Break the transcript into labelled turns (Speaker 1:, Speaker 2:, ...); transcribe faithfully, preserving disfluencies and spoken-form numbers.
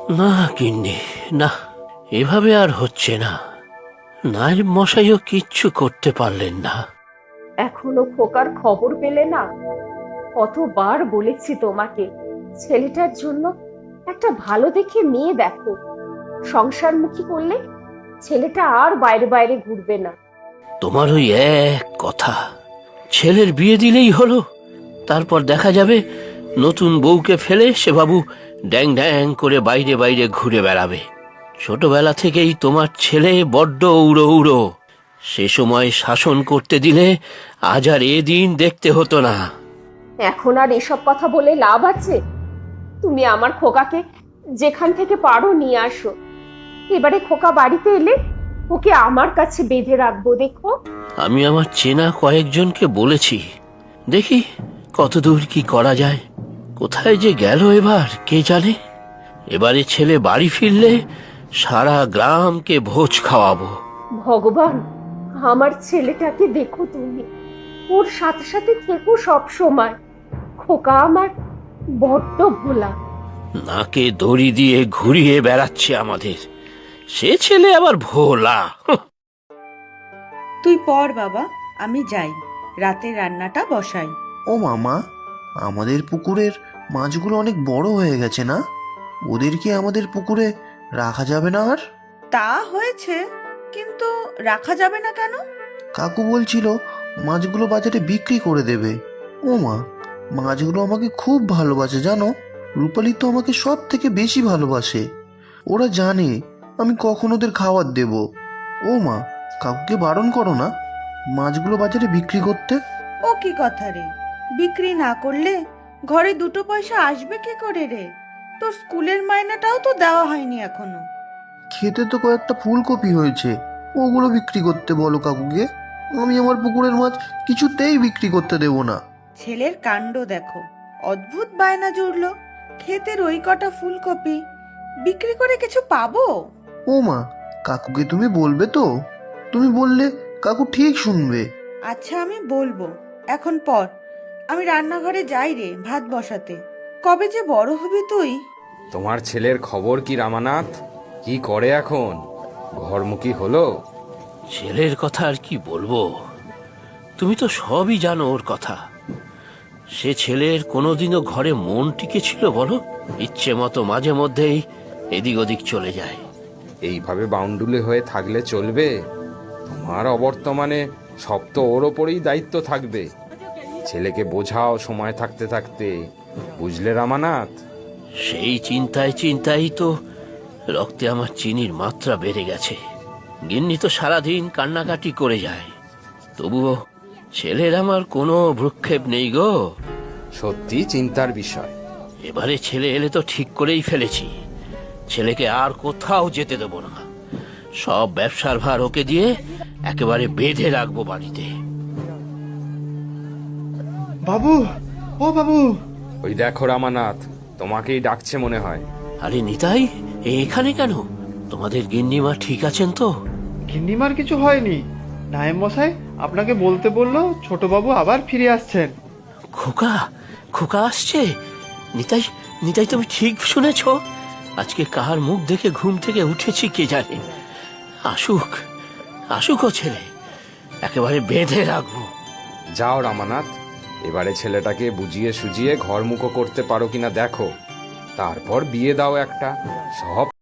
Speaker 1: না গিন্নি, না, এভাবে আর হচ্ছে না। নায়েব মশাইও কিচ্ছু করতে পারলেন না।
Speaker 2: এখনো খোকার খবর পেলে না? কতবার বলেছি তোমাকে, ছেলেটার জন্য একটা ভালো দেখে মেয়ে দেখো। সংসারমুখী করলে ছেলেটা আর বাইরে বাইরে ঘুরবে না।
Speaker 1: তোমার ওই এক কথা, ছেলের বিয়ে দিলেই হলো, তারপর দেখা যাবে নতুন বউকে ফেলে সে বাবু ড্যাং ড্যাং করে বাইরে বাইরে ঘুরে বেড়াবে। ছোটবেলা থেকেই তোমার ছেলে বড্ড উড়ো উড়ো, সে সময় শাসন করতে দিলে আজ আর এ দিন দেখতে হতো না।
Speaker 2: এখন আর এসব কথা বলে লাভ আছে? তুমি আমার খোকাকে যেখান থেকে পারো নিয়ে আসো। এবারে খোকা বাড়িতে এলে ওকে আমার কাছে বেঁধে রাখবো, দেখো।
Speaker 1: আমি আমার চেনা কয়েকজনকে বলেছি, দেখি কতদূর কি করা যায়। কোথায় যে গেল এবার কে জানে। এবারে ছেলে বাড়ি ফিরলে সারা গ্রামকে ভোজ খাওয়াবো।
Speaker 2: ভগবান, আমার ছেলেটাকে দেখো তুমি, ওর সাথে সাথে থেকো সব সময়। খোকা আমার বড্ড ভোলা।
Speaker 1: নাকে দড়ি দিয়ে ঘুরিয়ে বেড়াচ্ছে আমাদের, সে ছেলে আবার ভোলা। হুঁ।
Speaker 3: তুই পড় বাবা, আমি যাই, রাতে রান্নাটা বসাই।
Speaker 4: ও মামা, আমাদের পুকুরের মাছগুলো অনেক বড় হয়ে গেছে না? ওদেরকে আমাদের পুকুরে রাখা যাবে না আর?
Speaker 3: তা হয়েছে, কিন্তু রাখা যাবে না কেন?
Speaker 4: কাকু বলছিল মাছগুলো বাজারে বিক্রি করে দেবে। ও মা, মাছগুলো আমাকে খুব ভালোবাসে জানো। রূপালী তো আমাকে সব থেকে বেশি ভালোবাসে। ওরা জানে আমি কখন ওদের খাবার দেব। ও মা, কাকুকে বারণ করো না মাছগুলো বাজারে বিক্রি করতে।
Speaker 3: ও কি কথা রে, বিক্রি না করলে ঘরে দুটো পয়সা আসবে কি করে রে? তোর স্কুলের মাইনেটাও তো দেওয়া হয়নি এখনো।
Speaker 4: খেতে তো কয়েকটা ফুলকপি হয়েছে, ওগুলো বিক্রি করতে বলো কাকুকে। আমি আমার পুকুরের মাছ কিছুতেই বিক্রি করতে দেব না।
Speaker 3: ছেলের কাণ্ড দেখো, অদ্ভুত বায়না জুড়লো। ক্ষেতের ওই কটা ফুলকপি বিক্রি করে কিছু পাবো?
Speaker 4: ও মা, কাকুকে তুমি বলবে তো? তুমি বললে কাকু ঠিক শুনবে।
Speaker 3: আচ্ছা আমি বলবো, এখন পর, আমি রান্নাঘরে যাই রে ভাত বসাতে। কবে যে বড় হবি তুই?
Speaker 5: তোমার ছেলের খবর কি রামানাথ? কি করে এখন? ঘরমুখী হলো?
Speaker 1: ছেলের কথা আর কি বলবো, তুমি তো সবই জানো ওর কথা। সে ছেলের কোনোদিনও ঘরে মন টিকে ছিল বলো? ইচ্ছে মতো মাঝে মধ্যেই এদিক ওদিক চলে যায়।
Speaker 5: এইভাবে বাউন্ডুলে হয়ে থাকলে চলবে? তোমার অবর্তমানে সব তো ওর ওপরেই দায়িত্ব থাকবে। ছেলেকে বোঝাও সময় থাকতে থাকতে, বুঝলে রামানাথ?
Speaker 1: সেই চিন্তায় চিন্তায় তো রক্তে আমার চিনির মাত্রা বেড়ে গেছে। গিন্নি তো সারাদিন কান্নাকাটি করে যায়, তবুও ছেলের আমার কোনো ভ্রুক্ষেপ নেই গো।
Speaker 5: সত্যি চিন্তার বিষয়।
Speaker 1: এবারে ছেলে এলে তো ঠিক করেই ফেলেছি, ছেলেকে আর কোথাও যেতে দেব না। সব ব্যবসার ভার ওকে দিয়ে একেবারে বেঁধে রাখবো বাড়িতে।
Speaker 6: বাবু, ও বাবু।
Speaker 5: ওই দেখো রামানাথ, তোমাকেই ডাকছে মনে হয়।
Speaker 1: আরে নিতাই, এখানে কেন? তোমাদের গিন্নিমা ঠিক আছেন তো?
Speaker 6: গিন্নিমার কিছু হয়নি। নায়েব মশাই আপনাকে বলতে বললো ছোট বাবু আবার ফিরে আসছেন।
Speaker 1: খোকা, খোকা আসছে? নিতাই, নিতাই তুমি ঠিক শুনেছ? আজকে কার মুখ দেখে ঘুম থেকে উঠেছি কে জানে। আসুক, আসুক ও ছেলে, একেবারে বেঁধে রাখবো।
Speaker 5: যাও রামানাথ, এবারে ছেলেটাকে বুঝিয়ে সুজিয়ে ঘরমুখো করতে পারো কিনা দেখো, তারপর বিয়ে দাও একটা। সব